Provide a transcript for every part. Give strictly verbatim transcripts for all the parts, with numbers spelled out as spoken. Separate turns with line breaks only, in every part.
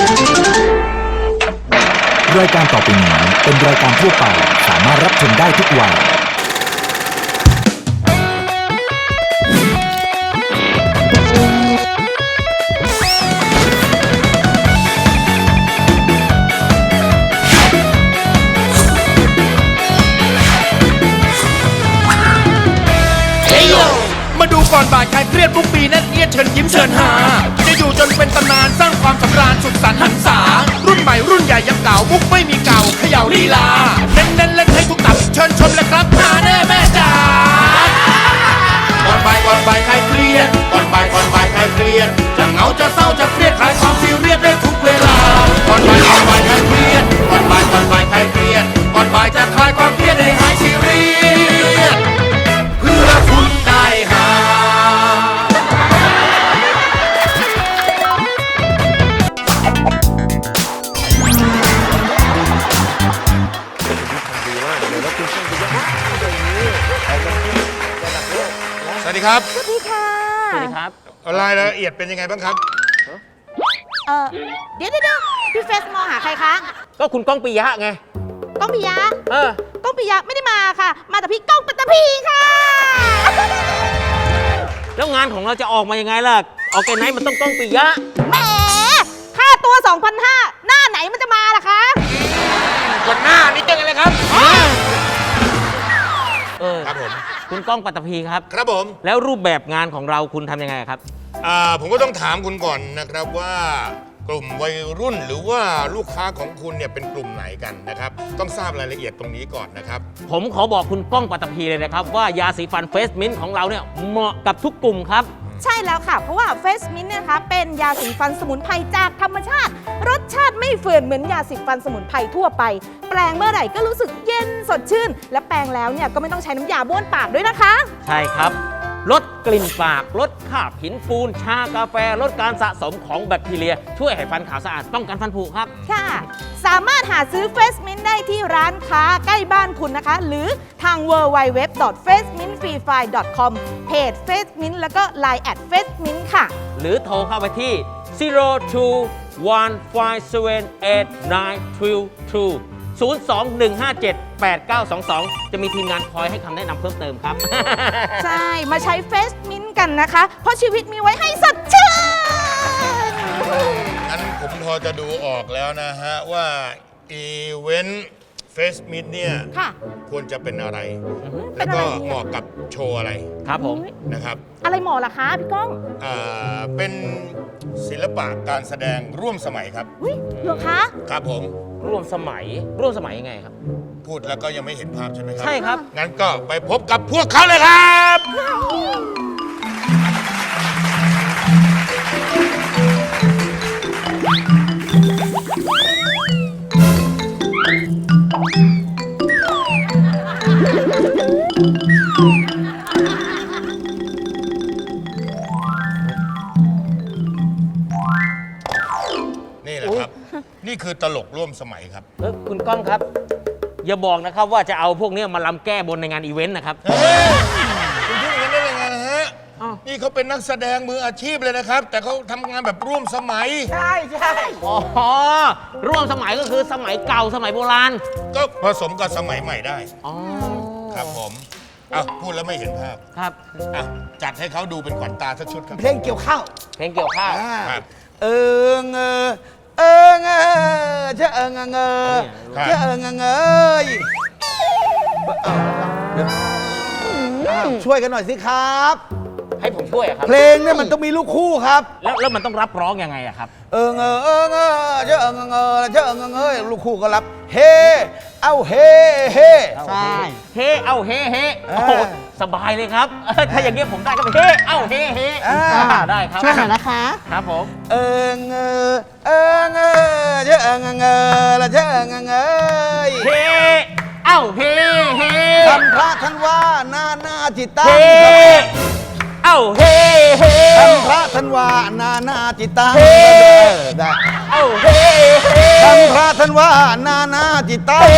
รายการต่อไปนี้เป็นรายการทั่วไปสามารถรับชมได้ทุกวัย
มาดูก่อนบ่ายใครเครียดทุกปีนั่นเอียดเชิญยิ้มเชิญหาจะอยู่จนเป็นตำนานสร้างความสำราญสุดสันต์หันษารุ่นใหม่รุ่นใหญ่ยังเก่ามุกไม่มีเก่าเขย่าลีลาเน้นเน้นเล่นให้ทุกตับเชิญชมเลยครับหาแน่แม่จ๋าก่อนบ่ายก่อนบ่ายใครเครียดก่อนบ่ายก่อนบ่ายใครเครียดจะเหงาจะเศร้าจะเครียดคลายความซีเรียสได้ทุกเวลาก่อนบ่ายก่อนบ่ายใครเครียดก่อนบ่ายก่อนบ่ายใครเครียดก่อนบ่ายจะคลายความเครียดให้หายซีเรียสเพื่อคุณได้หาสวัสดีครับ
สวัสดีค่ะ
สวัสดีครับรายละเอียดเป็นยังไงบ้างครับ
เออเดี๋ยวเดี๋ยวพี่เฟสมองหาใครคะ
ก็คุณก้องปิยะไง
ก้องปิยะ
เออ
ก้องปิยะไม่ได้มาค่ะมาแต่พี่ก้องปัตตภีค่ะ
แล้วงานของเราจะออกมายังไงล่ะออกแกไนท์มันต้องก้องปิยะ
แหมค่าตัว สองพันห้าร้อย หน้าไหนมันจะมาล่ะคะ
ก่อนหน้านี่ยังไงครับ
เออครับผมคุณก้องปัตตภีครับ
ครับผม
แล้วรูปแบบงานของเราคุณทำยังไงครับ
อ่าผมก็ต้องถามคุณก่อนนะครับว่ากลุ่มวัยรุ่นหรือว่าลูกค้าของคุณเนี่ยเป็นกลุ่มไหนกันนะครับต้องทราบรายละเอียดตรงนี้ก่อนนะครับ
ผมขอบอกคุณก้องปัตตภีเลยนะครับว่ายาสีฟันเฟสมินต์ของเราเนี่ยเหมาะกับทุกกลุ่มครับ
ใช่แล้วค่ะเพราะว่าเฟสมินต์นะคะเป็นยาสีฟันสมุนไพรจากธรรมชาติรสชาติไม่เฟื่อนเหมือนยาสีฟันสมุนไพรทั่วไปแปรงเมื่อไหร่ก็รู้สึกเย็นสดชื่นและแปรงแล้วเนี่ยก็ไม่ต้องใช้น้ำยาบ้วนปากด้วยนะคะ
ใช่ครับลดกลิ่นปากลดคราบหินปูนชากาแฟลดการสะสมของแบคทีเรียช่วยให้ฟันขาวสะอาดป้องกันฟันผุครับ
ค่ะสามารถหาซื้อเฟสมินต์ได้ที่ร้านค้าใกล้บ้านคุณนะคะหรือทาง ดับเบิลยู ดับเบิลยู ดับเบิลยู ดับเบิลยู ดอท เฟสมินต์ฟรีไฟล์ ดอท คอม เพจ FaceMint แล้วก็ ไลน์ แอท เฟสมินต์ ค่ะ
หรือโทรเข้าไปที่ ศูนย์ สอง หนึ่ง ห้า เจ็ด แปด เก้า สอง สอง ศูนย์ สอง หนึ่ง ห้า เจ็ด แปด เก้า สอง สอง จะมีทีมงานคอยให้คำแนะนำเพิ่มเติมครับ
ใช่ มาใช้เฟสมินต์กันนะคะ เพราะชีวิตมีไว้ให้สดชื่น
งั้นผมพอจะดูออกแล้วนะฮะว่าอีเวนต์เฟสมินต์เนี่ยควรจะเป็นอะไรแล้วก็เหมาะกับโชว์อะไร
ครับผม
นะครับ
อะไรเหมาะล่ะคะพี่ก้อง
อ่าเป็นศิลปะการแสดงร่วมสมัยครับ
อุ้ยเหรอคะ
ครับผม
ร่วมสมัยร่วมสมัยยังไงครับ
พูดแล้วก็ยังไม่เห็นภาพใช่ไหมครับ
ใช่ครับ
งั้นก็ไปพบกับพวกเขาเลยครับนี่แหละครับนี่คือตลกร่วมสมัยครับ
เออคุณก้องครับอย่าบอกนะครับว่าจะเอาพวกนี้มาลำแก้บนในงานอีเวนต์นะครับ
คุณคิดอย่างนั้นได้ยังไงนะฮะนี่เขาเป็นนักแสดงมืออาชีพเลยนะครับแต่เขาทำงานแบบร่วมสมัย
ใช่ใช่อ๋อร่วมสมัยก็คือสมัยเก่าสมัยโบราณ
ก็ผสมกับสมัยใหม่ได้
อ๋อ
ครับผมอ้าวพูดแล้วไม่เห็นภาพ
ครับ
อ่ะจัดให้เขาดูเป็นขวัญตาสักชุดครับ
เพลงเกี่ยวข้าว
เพลงเกี่ยวข้าว
ครับ
เออเงอเออเงอเชอเออเงอเงอเชอเออเงอเงยช่วยกันหน่อยสิครับ
ให้ผมช่วยครับ
เพลงเนี่ยมันต้องมีลูกคู่ครับ
แล้วแล้วมันต้องรับร้องยังไงอะครับ
เออเงอเออเงอเชอเออเงอเงอเชอเออเงอเงยลูกคู่ก็รับเฮเอาเฮเฮ
ใช่เฮเอาเฮเฮโอ้โหสบายเลยครับถ้าอย่างเงี้ยผมได้ก็ไปเฮเอาเฮเฮได้ครับ
ช่วยหน่อยนะคะ
ครับผม
เออเงอเออเงอเชอเออเงอเงอละเชอเออเงอเงย
เฮเอาเฮเฮ
ทำพระท่านว่าหน้าหน้าจิตตัง
เอ้าเฮเฮ
ทำพระท่านว่านานาจิตตังได้
เอ้าเฮเฮ
ทำพระท่านว่านานาจิตตัง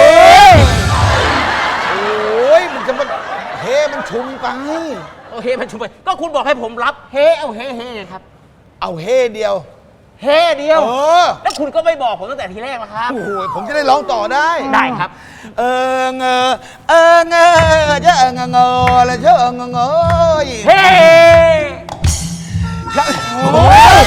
โอ้ยมันจะมันเฮมันชุมไป
โอเคมันชุมไปก็คุณบอกให้ผมรับเฮเอาเฮเฮครับ
เอาเฮเดียว
เฮ้เดียว
เออ
แล้วคุณก็ไม่บอกผมตั้งแต่ทีแรกละครับ
โอ้โหผมจะได้ร้องต่อได้
ได้ครับ
เออเงอเออเงอเจะเงอเงอแล้วเจะเงอเงอ
เฮ้
โอ้ย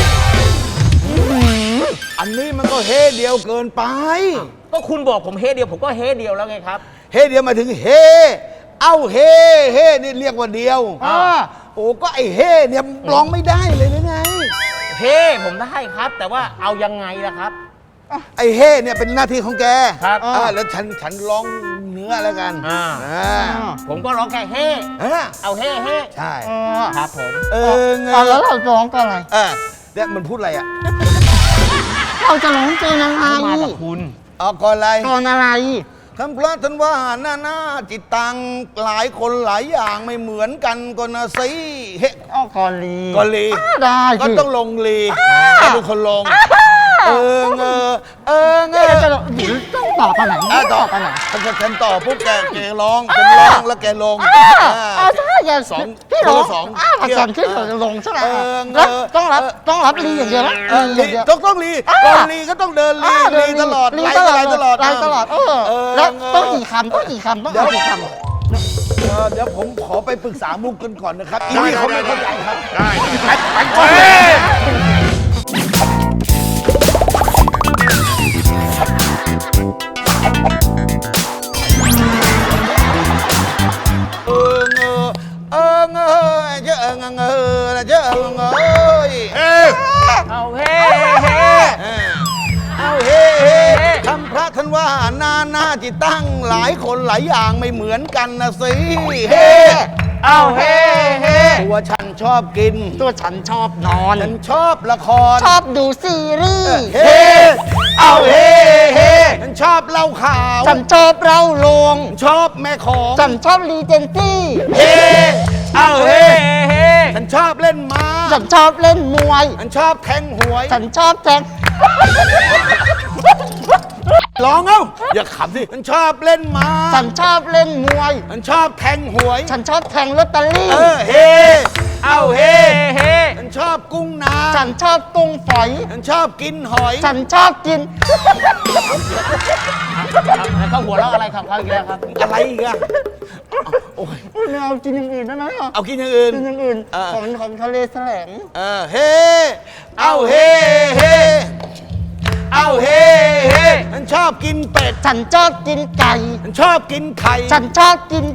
อันนี้มันก็เฮเดียวเกินไป
ก็คุณบอกผมเฮ้เดียวผมก็เฮ้เดียวแล้วไงครับ
เฮเดียวหมายถึงเฮเอ้าเฮเฮนี่เรียกว่าเดียว
อ่า
โอ้ก็ไอเฮเนี่ยร้องไม่ได้เลยหรือไง
เฮ้ผมได้ครับ แต่ว่าเอายังไงล่ะครับ
ไอเฮเนี่ยเป็นหน้าที่ของแก
ครับ
อ่าแล้วฉันฉันร้องเนื้อแล้วกัน
อ่า
อ่า
ผมก็ร้องแค่เฮ้
อ่า
เอาเฮ้เฮ้
ใช่
ครับผม
เออเง
เอาแล้ว
อ
เราร้องกันอะไร
เออเนี่ยมันพูดอะไรอ่ะ
เราจะร้องเพลงอะไร
มากับคุณ
เอาก่อนอะไร
ตอนอะไร
คำพระท่านว่าหน้าหน้าจิตตังหลายคนหลายอย่างไม่เหมือนกันก็นะสิเฮ้
อ้อกอลี
ก็ลี
อ้าได้
ก็
สิ
ต้องลงลีก็เป็นคนลง เออเงอเออเง
เอ๊ะ
อ
จะหรือต้องต่อไปไหน
อ่ะต่อ
ไปไหน
ฉันฉันต่อปุ๊บแกแกร้องฉันร้องแล้วแกลง
อ่า
อ่า
เอาใช่อย่า
สอง
พี่ร้อง
คนละสอง
อ้าประ
เที่ยว
จันขึ้นเราจะลงใช่ไหม
เออ
แล้ว
เออ
ต้องรับ
เออ
ต้องรับลีอย่างเดียวไหม
เออ
ลี
ลี
อย่างเดียว
ต้องต้องลี
อ่า
ก่อนลีก็ต้องเดินลี
อ่าเดิ
ลี
น
ตลอด
ลี
ไหล
ตลอด
ไหลตลอด
ไหลตลอดเออ
เออ
แล้ว
เออ
ต้องกี่คำต้องกี่คำต้องเอากี่คำ
เออเดี๋ยวผมขอไปปรึกษามุกกันก่อนนะครับอีนี่เขาไม่เข้าใจครับ
ได้ไปไปไป
เออเงอเออเงอเจ้าเงอเงอเจ้าเงอ
เอ้ย
เอาเฮ้เฮ้
เอาเฮ้เฮ้คำพระท่านว่านานาจิตตั้งหลายคนหลายอย่างไม่เหมือนกันนะสิเฮ้
เอาเฮ้เฮ้
ตัวฉันชอบกิน
ตัวฉันชอบนอน
ฉันชอบละคร
ชอบดูซีรีส์
เฮ้เอาเฮ้เฮ้ฉันชอบเล่าข่าว
ฉันชอบเล่าลวง
ชอบแม่ของ
ฉันชอบรีเจนซี่
เฮ้เอา
เอา
เฮ้
เฮ้เฮ้
ฉันชอบเล่นม้า
ฉันชอบเล่นมวย
ฉันชอบแทงหวย
ฉันชอบแทง
ร้องเอ้าอย่าขำสิฉันชอบเล่นม้า
ฉันชอบเล่นมวย
ฉันชอบแทงหวย
ฉันชอบแทงลอตเตอรี่
เออเฮ้เอาเฮ้
เฮ้
ฉันชอบกุ้งนา
ฉันชอบกุ้งฝอย
ฉันชอบกินหอย
ฉันชอบกิน
แล้วเขาหัวเราะอะไรครับเขาอีกแล้วครับ
อะไรอีกอะโอ้ย
ไม่เอากินอย่างอื่นได้ไหมอ่ะ
เอากินอย่างอื่น
กินอย่างอื่น
เออ
ของของทะเลแสลง
เออเฮ้เอาเฮ้เฮ้เอาเฮ้เฮ้ฉันชอบกินเป็ด
ฉันชอบกินไก่
ฉันชอบกินไข่
ฉันชอบกิน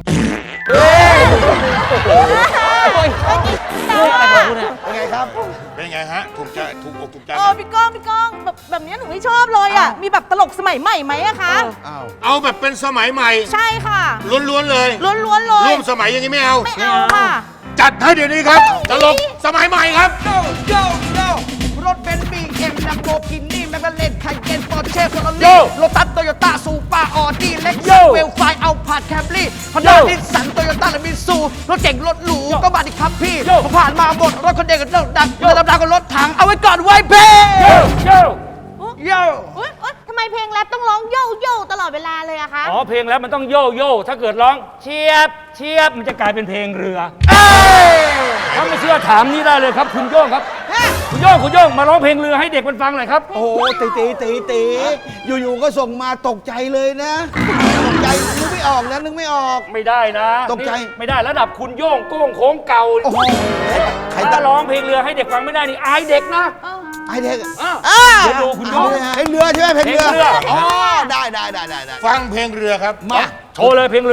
เรื่องอะไรของคุณเนี่ย
เป็นไงครับ
เป็นไงฮะ ถูกใจ ถูกอกถูกใจ
เออพี่ก้องพี่ก้องแบบแบบนี้หนูไม่ชอบเลยอ่ะ มีแบบตลกสมัยใหม่ไหมอะคะ
อ้าว
เอาแบบเป็นสมัยใหม่
ใช่ค่ะ
ล้วนๆเลย
ล้วนๆเลย
ร่วมสมัยอย่างนี้ไม่เอา
ไม่เอาค่ะ
จัดให้เดี๋ยวนี้ครับ ตลกสมัยใหม่ครับ
โยโยโยรถเบนซ์บีเอ็มลัมโบกินี่แมคลาเรนไคเยนปอร์เช่เฟอร์รารี่โลตัสโตโยต้าซูเปอร์ออดี้เล็กซัสเวลไฟเอาผาดแคมรี่ฮอนด้านิสสันโตโยต้าและมิตซูรถเจ๋งรถหรูก็มาดิครับพี่ผมผ่านมาหมดรถคนเด็กกับรถดังรถดำๆกับรถถังเอาไว้ก่อนไว้เพ่โย
อุ๊ยอุ๊ยทำไมเพลงแรปต้องร้องโย่โย่ตลอดเวลาเลยอะคะ
อ๋อเพลงแล้วมันต้องโย่โย่ถ้าเกิดร้องเชียบเชียบมันจะกลายเป็นเพลงเรือถ้าไม่เชื่อถามนี่ได้เลยครับ คุณโย่งครับคุณโย่งคุณโย่งมาร้องเพลงเรือให้เด็กมันฟังหน่อยครับ
โอ้โหตีตีตีตีอยู่ๆก็ส่งมาตกใจเลยนะ ตกใจนึกไม่ออกนะนึกไม่ออก
ไม่ได้นะ
ตกใจ
นี่ไม่ได้ระดับคุณโย่งโก้งโค้งเก่า
โอ้โหใคร
ถ้า
ตั้ง
ร้องเพลงเรือให้เด็กฟังไม่ได้นี่อายเด็กนะ
ไอเด็ก
อ้าว
อ่า
เดี๋ยวดูคุณโย่ง
เพลงเรือใช่ไหมเพลงเรือ
เพลงเรือ
อ๋อได้ได้ได้ได้ได้
ฟังเพลงเรือครับ
มา
โชว์เลยเพลงเรือ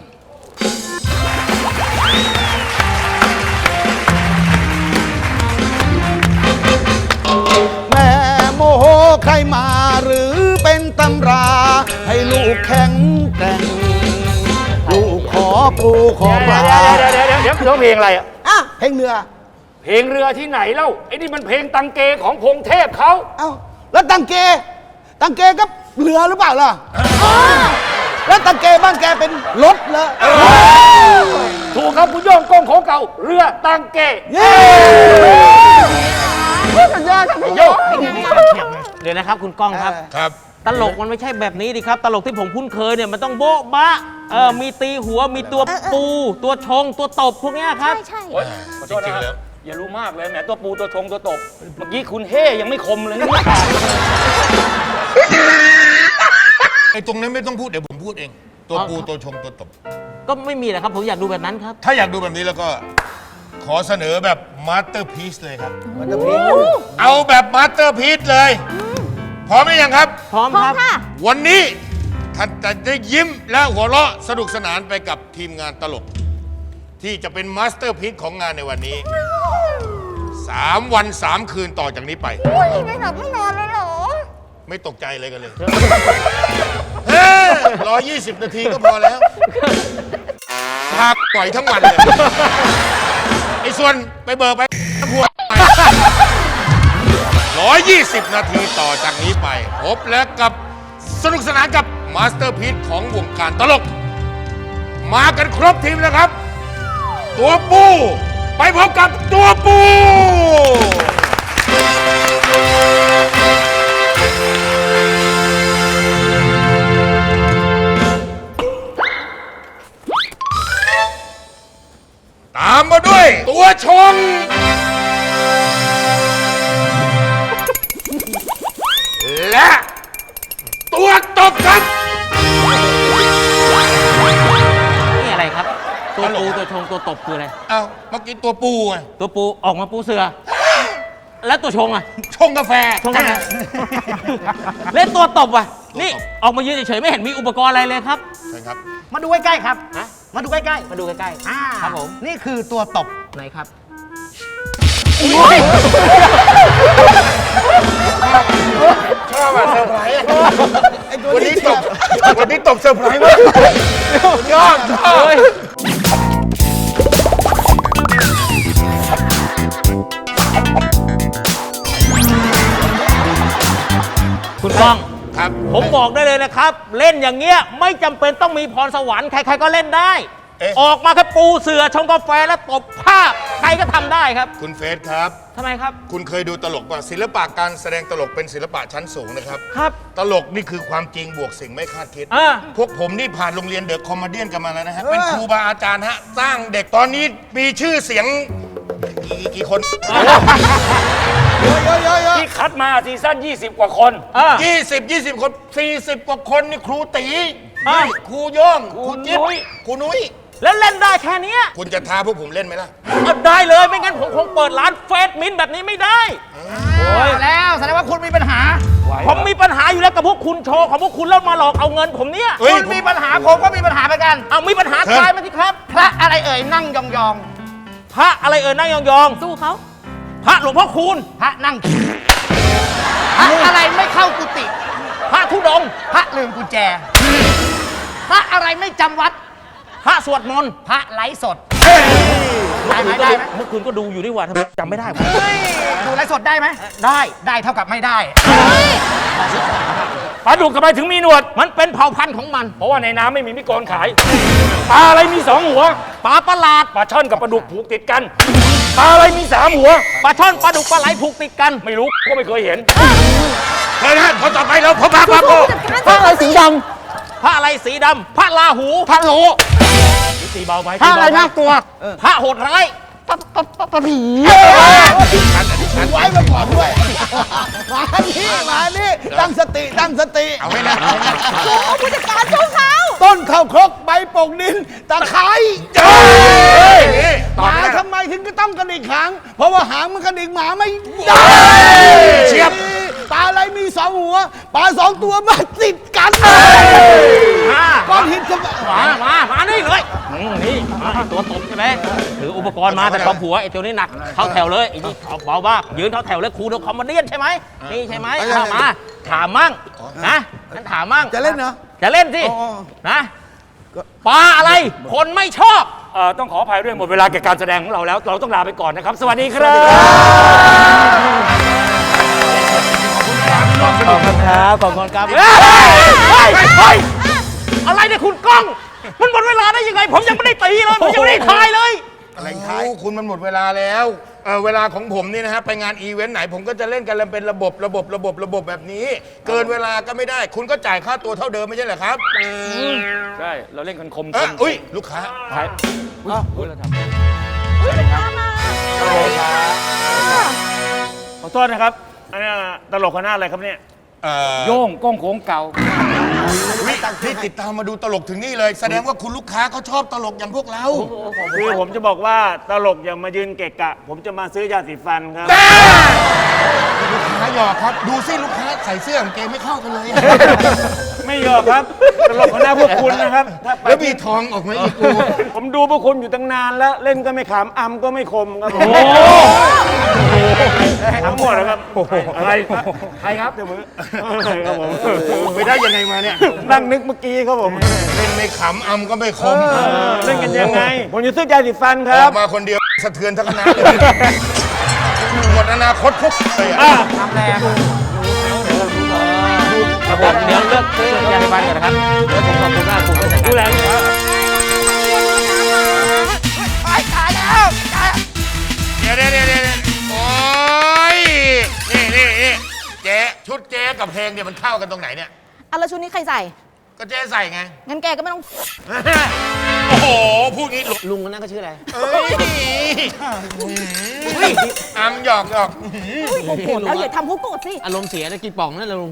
แม่โมโหใครมาหรือเป็นตำรา ให้ลูกแข็งแกร่งลูกขอปูขอปลา
เดี๋ยวเดี๋ยวเดี๋ยวเดี๋ยวร้องเพลงอะไรอ่ะ
อ่ะเพลงเรือ
เพลงเรือที่ไหนเล่าไอ้นี่มันเพลงตังเกของพงเทพเขา
เอ้าแล้วตังเก ตังเกก็เรือหรือเปล่าล่ะแล้วตังเกบ้านแกเป็นรถเหรอ
ถูกครับคุณโย่งโก้งโค้งเก่าเรือตังเก
เย้
สุดยอดครับพี่
โย่
เดี๋ยวนะครับคุณก้องครับ
ครับ
ตลกมันไม่ใช่แบบนี้ดิครับ ตลกที่ผมคุ้นเคยเนี่ยมันต้องโบ๊ะบะเออมีตีหัวมีตัวปู ตัวชงตัวตบพวกเนี้ยครับ
ใช่ใช่
โอ๊ยจริงๆแล้ว
อย่ารู้มากเลยแหมตัวปูตัวชงตัวตบ เมื่อกี้คุณเฮ่ยังไม่คมเลยนี่
ไอ้ตรงนั้นไม่ต้องพูดเดี๋ยวผมพูดเอง ตัวปูตัวชงตัวตบ
ก็ไม่มีแหละครับ ผมอยากดูแบบนั้นครับ
ถ้าอยากดูแบบนี้แล้วก็ขอเสนอแบบมาสเตอร์พีซเลยครับ
มันจะพิง
เอาแบบมาสเตอร์พีซเลย พร้อมหรือยังครับ
พร้อม
พร้อ
ค
ม
รับ
ค่ะ
วันนี้ท่านจะได้ยิ้มและหัวเราะสนุกสนานไปกับทีมงานตลก ที่จะเป็นมาสเตอร์พีซของงานในวันนี้สามวันสามคืนต่อจากนี้ไป
อุ้ยไม่หลับไม่นอนเลยเหรอ
ไม่ตกใจเลยกันเลย เฮ้ร้อยยี่สิบนาทีก็พอแล้วพาปล่อยทั้งวันเลย ไอ้ส่วนไปเบิกไปพวกร้อยยี่สิบนาทีต่อจากนี้ไป พบแล้วกับสนุกสนานกับมาสเตอร์พีซของวงการตลก มากันครบทีมแล้วครับ ตัวปู ไปพบกับตัวปู ตามมาด้วยตัวชง และตัวตบครับ
นี่อะไรครับ ตัวปูตัวชงตัวตบคืออะไร
เอาเมื่อกี้ตัวปูไง
ตัวปูออกมาปูเสือ แล้วตัวชงอ่ะ
ชงกาแฟ
ชงกันนะเล่นตัวตบว่ะ นี่ออกมายืนเฉยๆไม่เห็นมีอุปกรณ์อะไรเลยครับ
ใช่ครับ
มาดูใกล้ๆครับ
ฮะ
มาดูใกล้
มาดูใกล้
ๆอ่า
ๆ ครับผม
นี่คือตัวตบ
ไหนครับ
ชอบอะเซอร์ไพรส์อะวันนี้ตบวันนี้ตบเซอร์ไพรส์มากยอดชอบ
คุณก้อง
ครับ
ผมบอกได้เลยนะครับ เล่นอย่างเงี้ยไม่จำเป็นต้องมีพรสวรรค์ใครๆก็เล่นได้
เอ๊ะ
ออกมาแค่ปูเสือชงกาแฟแล้วตบภาพใครก็ทำได้ครับ
คุณเฟสครับ
ทำไมครับ
คุณเคยดูตลกป่ะศิลปะการแสดงตลกเป็นศิลปะชั้นสูงนะครับ
ครับ
ตลกนี่คือความจริงบวกสิ่งไม่คาดคิด
อ่า
พวกผมนี่ผ่านโรงเรียนเดอะคอมเมเดี้กันมาแล้วนะฮะ เป็นครูบาอาจารย์ฮะ สร้างเด็กตอนนี้มีชื่อเสียงกี่กี่คน
ที่คัดมาซีซั่นยี่สิบกว่าคน
อ่า
ยี่สิบ ยี่สิบ คน สี่สิบ กว่าคนนี่ครูตี
อ่ะ
นี่ครูโย่งครูจิ๊บ
ครูนุ้ย
ครูนุ้ย
แล้วเล่นได้แค่เนี้ย
คุณจะท้าพวกผมเล่นไหมล่ะ
เอาได้เลยไม่งั้นผมคงเปิดร้านเฟสมินท์แบบนี้ไม่ได้
แล้วแสดงว่าคุณมีปัญหา
ผมมีปัญหาอยู่แล้วกับพวกคุณโชว์ของพวกคุณแล้วมาหลอกเอาเงินผมเนี่ย
เฮ้ย
คุณมีปัญหาผมก็มีปัญหาเหมือนกัน
เอามีปัญหา
เชิญ
ทายมาสิครับ
พระอะไรเอ่ยนั่งยอง
พระอะไรเอ่ยนั่งยอง
สู้เขา
ๆพระหลวงพ่อคูณ
ๆ พระนั่งขี่พระอะไรไม่เข้ากุฏิ
พระธุดงค์
พระลืมกุญแจ พระอะไรไม่จำวัด
พระสวดมนต์
พระไลฟ์สด ได้ไหมได้ไหม
เมื่อคืนก็ดูอยู่นี่หว่าทำไมจำไม่ได้วะ
เฮ้ยดูไลฟ์สดได้ไหม
ได้
ได้เท่ากับไม่ได้
ปลาดุกทำไมถึงมีหนวด
มันเป็นเผ่าพันธุ์ของมัน
เพราะว่าในน้ำไม่มีมิโกนขาย ปลาอะไรมีสองหัว
ปลาประหลาด
ปลาช่อนกับปลาดุกผูกติดกัน ปลาอะไรมีสามหัว
ปลาช่อนปลาดุกปลาไหลผูกติดกัน
ไม่รู้ก็ไม่เคยเห็น
เชิญฮะคนต่อไปเราพบพระพระโพ
พระอะไรสีดำพระอะไรสีดำพระราหู พระโล
ตีเบาไป
พระอะไรน่ากลัว พระโหดร้าย
ไว้มาก่อนด้วย มานี่มานี่ตั้งสติตั้งสติ
เอาไว้นะ
ผู้จัดการสู้เขา
ต้นข้าวครกใบโป่งดินตะไคร้
เฮ้ยนี่
ห
ตอบ
มา
ไม่ได้
ทำไมถึงก็ต้องกระดิกหาง เพราะว่าหางมันกระดิกหมาไม่ได้
เชียบ
ปลาอะไรมีสองหัว ปลาสองตัวมาติดกัน
มา
ก้อนหินกับ
มามา มานี่เลยอืมนี่มาไอ้ตัวตบใช่ไหมถืออุปกรณ์มาแต่ความผัวไอ้ตัวนี้หนัก เข้าแถวเลยไอ้นี่เอาเบามากยืนเข้าแถวเลยครูดูคอมเมดี้ใช่ไหมนี่ใช่ไหมเอามา ถามมั่งนะงั้นถามมั่ง
จะเล่นเหรอ
จะเล่นสิ
อ๋อ
นะปลาอะไร คนไม่ชอบ
เอ่อต้องขออภัยด้วยหมดเวลาแก่การแสดงของเราแล้ว เราต้องลาไปก่อนนะครับ สวัสดีครับ
ขอบคุณครับ ขอบคุณครับเฮ้ยเฮ้ยอะไรเนี่ยคุณก้อง มันหมดเวลาได้ยังไง ผมยังไม่ได้ตีเลย ผมยังไม่ได้ทายเลย
อะไรท้ายคุณมันหมดเวลาแล้วเออเวลาของผมนี่นะฮะไปงานอีเวนต์ไหนผมก็จะเล่นกันเป็นระบบระบบระบบระบบแบบนี้ เกินเวลาก็ไม่ได้ คุณก็จ่ายค่าตัวเท่าเดิมไม่ใช่เหรอครับ
ใช่ เราเล่นกันคม
เอ
ค
อ
ม
อุ้ยลูกค้า
ท้ายอุ๊ยอุ๊ยเราทำ
ผู้จัดการมา
ขอโทษนะครับอันนี้ตลกคณะอะไรครับเนี่ย
เอ่อ
โย่งก้องโขงเก่า
พี่พี่ติดตามมาดูตลกถึงนี่เลย แสดงว่าคุณลูกค้าเขาชอบตลกอย่างพวกเรา
คือผมจะบอกว่าตลกอย่ามายืนเกะกะ ผมจะมาซื้อยาสีฟันครับ
ลูกค้าหยอกครับ ดูสิลูกค้าใส่เสื้อกางเกงไม่เข้ากันเลย
ไม่ยอมครับ ตลกคณะพวกคุณนะครับถ้าไป
แล้วมีทองออกมาอีกกู
ผมดูพวกคุณอยู่ตั้งนานแล้ว เล่นก็ไม่ขำอำก็ไม่คมครับผมทั้งหมดนะครับอะไรใครครับเดี๋ยวมือครับผม
ไปได้ยังไงมาเนี่ย
นั่งนึกเมื่อกี้ครับผม
เล่นไม่ขำอำก็ไม่คม
เล่นกันยังไง ผมจะซื้อยาสีฟันค
อ
รั
อบ กมาคนเดียวสะเทือนทั้งคณะเลยหมดอนาคตพวกเลยอะ
ทำแรงครับผมเดี๋ยวเลือกซื้อยาสีฟันก่อนนะครับเดี๋ยวผมขอบคุณมากคุณก็จัด
ดูแล
การ
ลูกค้า
ไอ้ตายแล้วตาย
เดี๋ยวเดี๋ยวเดี๋ยวเดี๋ยวโอ้ยนี่นี่นี่เจ๊ชุดเจ๊กับเพลงเนี่ยมันเข้ากันตรงไหนเนี่ย
อะแล้วชุดนี้ใครใส่
ก็เจ๊ใส่ไง
งั้นแกก็ไม่ต้อง
โอ้โห พูดงี้หล
ลุงคนนั้นก็ชื่ออะไร
เอ้ยอำหยอกหยอก
โกรธแล้วอย่าทำเขาโกรธสิ
อารมณ์เสียจะกินป่องนั่นแหละลุง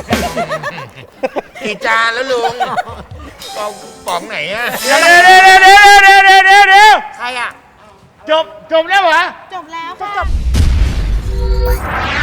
กี่จานแล้วลุงเอาป๋องไหนอะ
เดี๋ยวเดี๋ยวเดี๋ยวเดี๋ยวเดี๋ยวเดี๋ยวเดี๋ยวเดี๋ยว
ใครอะ
จบจบแล้วเหรอ
จบแล้วค่ะ